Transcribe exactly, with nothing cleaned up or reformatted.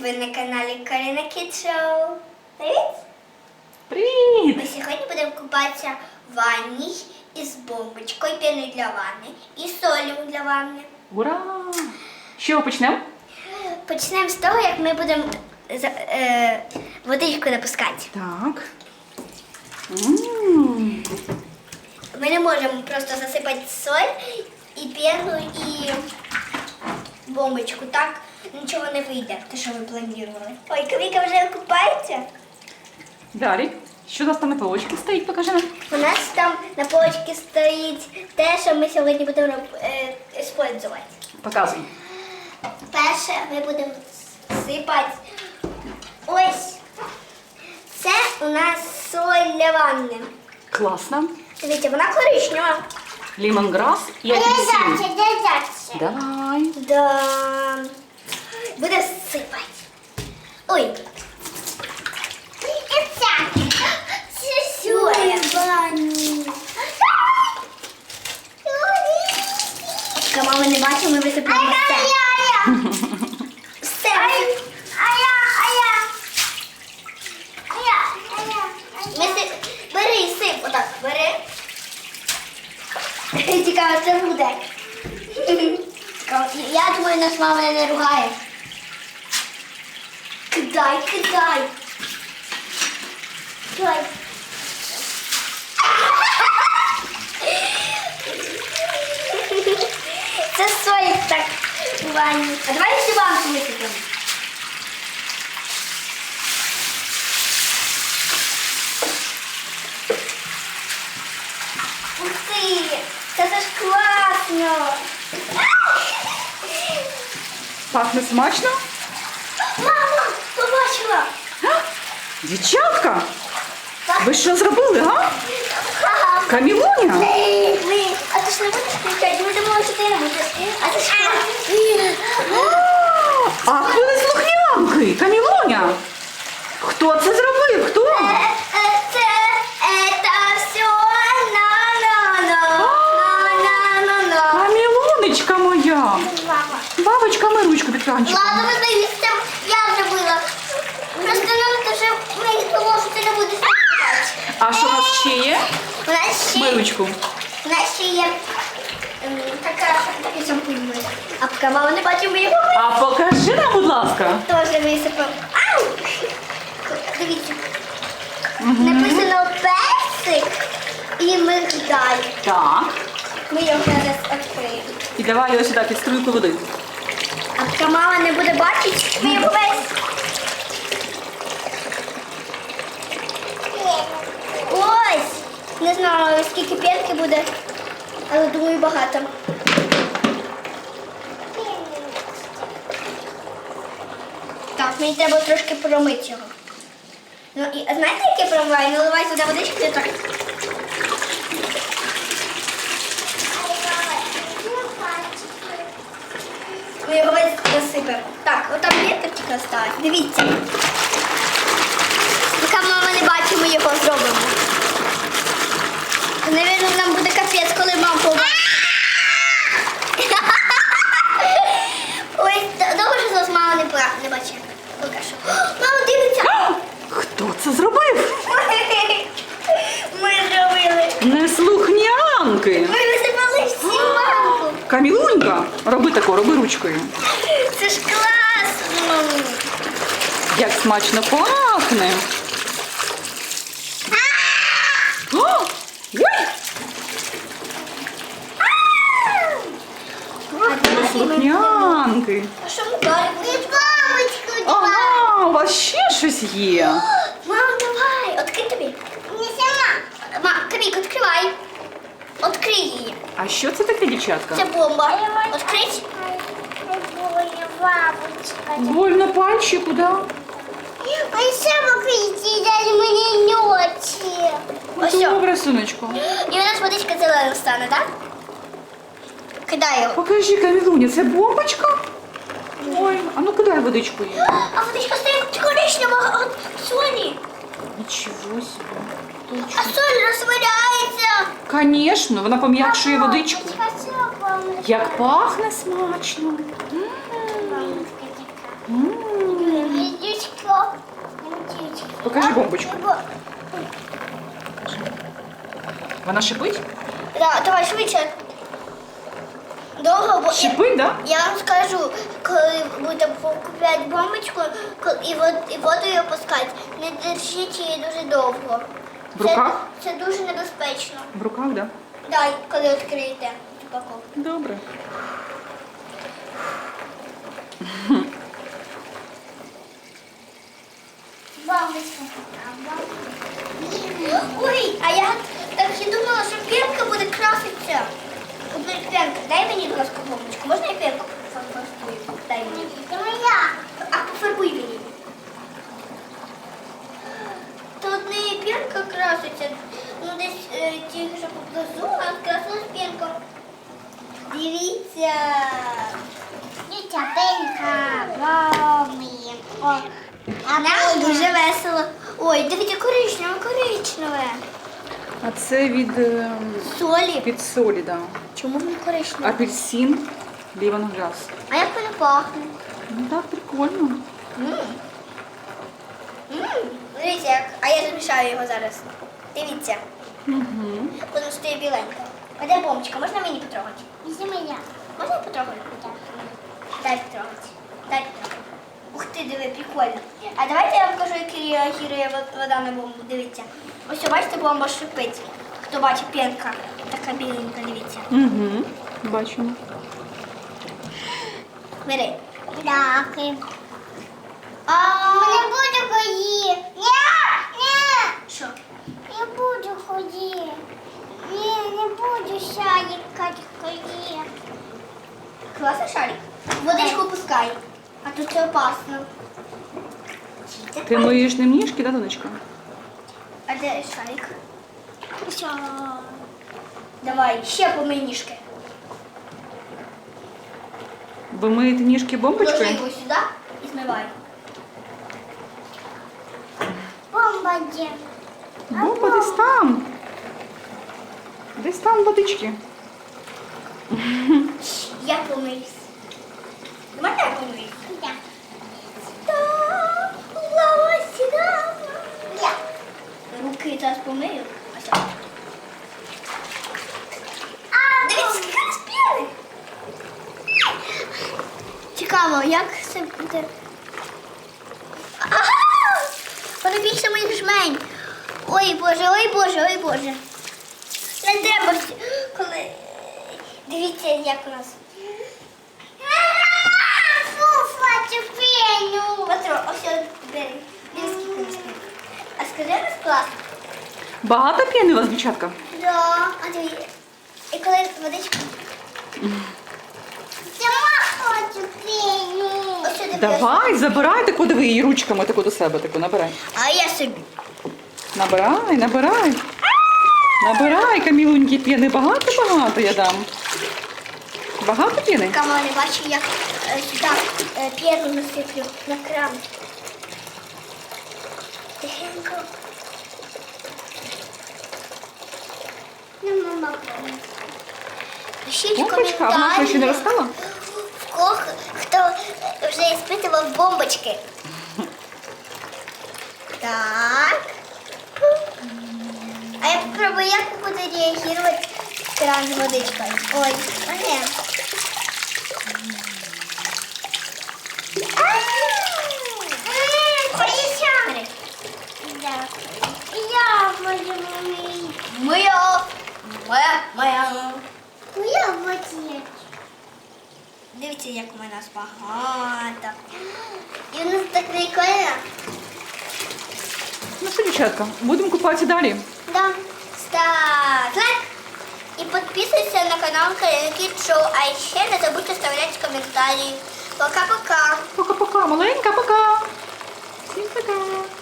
Ви на каналі Каріна Kids Show. Привіт! Привіт! Ми сьогодні будемо купатися в ванні із бомбочкою, піною для ванни і солью для ванни. Ура! З чого почнемо? Почнемо з того, як ми будемо за- е, водичку напускати. Так. М. Ми не можемо просто засипати соль і піну і бомбочку. Так нічого не вийде, те, що ви планували. Ой, Кавіка вже купається. Далі. Що у нас там на полочці стоїть? Покажи нам. У нас там на полочці стоїть те, що ми сьогодні будемо е, використовувати. Показуй. Перше ми будемо сипати. Ось. Це у нас соль для ванни. Класно. Дивіться, вона коричнева. Лімонграс і апельсин. дядяче. Давай. Да. Буде сипати. Ой. Це соля. Поки мами не бачимо, ми висипаємо все. Все. Ми си... Бери і сип, отак, бери. Цікаво, це буде. Цікаво. Я думаю, нас мама не ругає. Кидай, кидай. Кидай. Це соль так у ванні. А давай всю банку висипемо. Ух ти! Це ж класно! Пахне смачно? Мама, побачила! А? Дівчатка, Так. ви що зробили, га? Камілуня? Ми, а ти ж не будеш кричати? Ми думали, що ти не будеш. А ти ж А, Ах, ви не слухнянки. Камілуня. Хто це зробив? Хто? Це, это все на-на-на. На-на-на-на. Камілунечка моя. Мама. Бабочка, ми ручку під кранчиком. Ладно, ви знаєте, я зробила. Просто нам дуже мені було, що ти не будеш кричати. А що у нас ще є? У нас ще, Ми ручку. у нас ще є ем, така, такий шампунь. А поки мама не бачить, ми його А покажи нам, будь ласка. теж висипав. Ау! Дивіться. Написано персик і мигдаль. Так. Ми його зараз відкриємо. І давай його сюди під струйку води. А поки мама не буде бачити, ми його весь. Ось! Не знаю, скільки п'ятки буде, але думаю, багато. Так, мені треба трошки промити його. Ну і а знаєте, як я промиваю? Наливай сюди водички і так. Ми його весь засипемо. Так, отам п'ятка тільки осталась. Дивіться. Поки мама не бачить, ми його зробимо. Навірно, нам буде капець, коли мама побачить. Ой, добре, що зараз мама не, пора- не бачить. Поки що. Мама, дивиться! Хто це зробив? Ми зробили. Неслухнянки. Ми висипали всю банку. Камілунька, роби тако, роби ручкою. Це ж класно. Як смачно пахне. О! Ой! Неслухнянки. А що ми далі будемо? Бабочку, Ага, у вас ще щось є. Мам, давай, відкрий тобі. Не сама. Мам, Камік, відкривай. Відкрий її. А що це таке, дівчатка? Це бомба. Відкрить. Бабочка. Больно пальчику, да? Ой, сама кричить, мені ночі. Ось що. Добре, синочку. І у нас водичка зелена стане, так? Кидай його. Покажи, Камілуня, це бомбочка? Ой, а ну кидай водичку їй. А водичка стає коричнева від солі. Нічого собі. А соль розтворяється. Конечно, вона пом'якшує водичку. Хочу вам. Як пахне смачно. М. М. Покажи бомбочку. Бо- Вона шипить? Да, давай швидше. Довго, бо Шипить, да? я вам скажу, коли будете купувати бомбочку ко- і, вод, і воду її опускати, не держіть її дуже довго. В руках? Це, це дуже небезпечно. В руках, да? Дай, коли відкриєте упаковку. Добре. Бабочка. Ой, а я так і думала, що пенка буде краситися. От пенка, дай мені, будь ласка, бомбочку. Можна я пенку пофарбую? Дай мені. Це моя. А пофарбуй мені. Тут не пенка краситься, ну десь е, тільки що поблизу, а красилась пенка. Дивіться. Дівча пенька. Бомбі. О. А Нам ми дуже весело. Ой, дивіться, коричневе, коричневе. А це від, ем, Солі. від солі, да. Чому воно коричневе? Апельсин, лимонграсс. А як воно пахне? Ну так, прикольно. Мм. Мм. Дивіться, як. А я замішаю його зараз. Дивіться. Угу. Воно стає біленьке. А де бомбочка? Можна мені потрогати? Це моя. Можна я потрогаю? Дай потрогати. Дай потрогати. Ух ти, диви, прикольно. А давайте я вам покажу, як реагує вод- вода на бомбу. Дивіться. Ось бачите, бомба шипить. Хто бачить, пенка. Така біленька, дивіться. Угу. Бачимо. Бери. Дякую. А Не буду ходити. Ні, ні. що? Не буду ходити. Ні, не буду шарикати ходити. Класний шарик. Водичку пускай. А тут це опасно. Ти миєш ним ніжки, да, донечка? А де шарик? Що? Давай, ще помий ніжки. Ви миєте ніжки Ложи бомбочкою? його сюди і змивай. Бомба де? Бомба десь там. Десь там водички. Я помиюсь. Можна я помиюсь? Да. Так, лава сюди. Я. Руки зараз помию. Ось. А, Дивіться, скільки розпіли. Цікаво, як це буде. Ага! Воно більше моїх жмень. Ой, Боже, ой, Боже, ой, Боже. Не треба, всі- коли... Дивіться, як у нас. фуфа, цю пеню. Петро, ось я бери. Дивись, скільки у нас пінки. А скажи, у нас класно. Багато п'яни у вас, дівчатка? Да, а дивіться. І коли водичка. Сама хочу пеню. Ось сюди. Давай, забирай таку, диви її ручками таку до себе, таку набирай. А я собі. Набирай, набирай. Набирай, Камілуньки, п'яни. Багато-багато я дам. Багато п'яни? Камера не бачу, як е, сюди е, п'єрну насиплю на кран. Тихенько. Ну, мама, Пишіть в Бомбочка, а вона що, ще не коментарі, розстала? в кого хто е, вже іспитував бомбочки. Так. А я попробую, як буде реагувати кран з водичкою. Ой, а не. Бери. Я буду мамі. Моя, моя, моя. Я буду. Дивіться, як у мене багато. І у нас так прикольно. Ну що, дівчатка, будемо купатися далі. Да. Став лайк і підписуйся на канал Карина Кіт Шоу. А ще не забудь оставляти коментарі. Пока-пока. Пока-пока, маленька, пока. Всім пока.